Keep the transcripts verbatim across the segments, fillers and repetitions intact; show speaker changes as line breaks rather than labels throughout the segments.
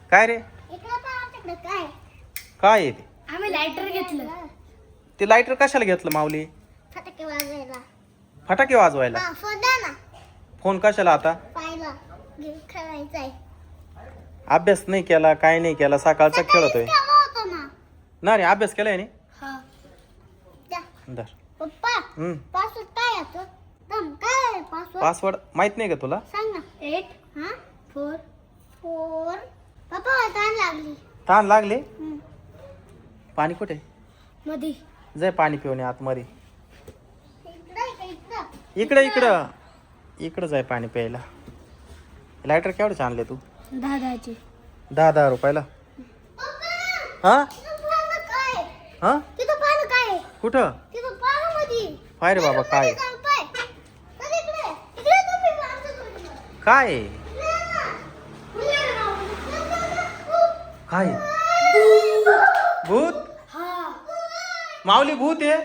काय रे?
इकडे पहा तिकडे काय
काय आहे ते?
आम्ही लायटर घेतलं.
ते लायटर कशाला घेतलं माऊली?
फटाके वाजवायला.
फटाके वाजवायला.
हा फोन द्या ना.
फोन कशाला आता?
पाहिला गेम खेळायचाय.
अभ्यास नाही केला, काय नाही केला, सकाळचा खेळतोय
केला होता ना.
ना रे. अभ्यास केलाय नी?
हा द्या.
धर.
पप्पा
हम्म.
पासवर्ड काय येतो? दम काय पासवर्ड?
पासवर्ड माहित नाही का तुला?
सांग ना. एट हा फोर फोर. पप्पा ताण लागली.
ताण लागले?
हम्म.
पाणी कुठे?
मधी
जाय पाणी पिऊन ये आतमध्ये.
इकडे इकडे
इकडे इकडं इकडं जाय पाणी प्यायला. लायटर केवढे आणले तू?
दहा दहाचे.
दहा दहा रुपयाला. हा
काय
हा
तिथं पाहिलं काय
कुठं?
तिथं पाहिलं मध्ये.
पाय रे बाबा काय आहे? काय आहे? काय आहे? भूत? माऊली भूत आहे?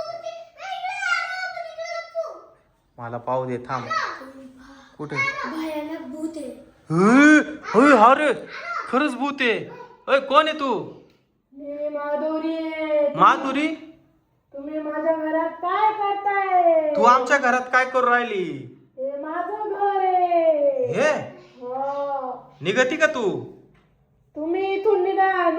मला पाहू दे थांब. कुठे?
भयानक भूत आहे.
होय हा रे खरंच भूत आहे. अय कोण आहे तू?
मी माधुरी आहे.
माधुरी?
तुम्ही माझ्या घरात काय करताय?
तू आमच्या घरात काय करू राहिली?
हे माझं घर आहे.
हे
हो.
निघती का तू?
तुम्ही इथून निघा.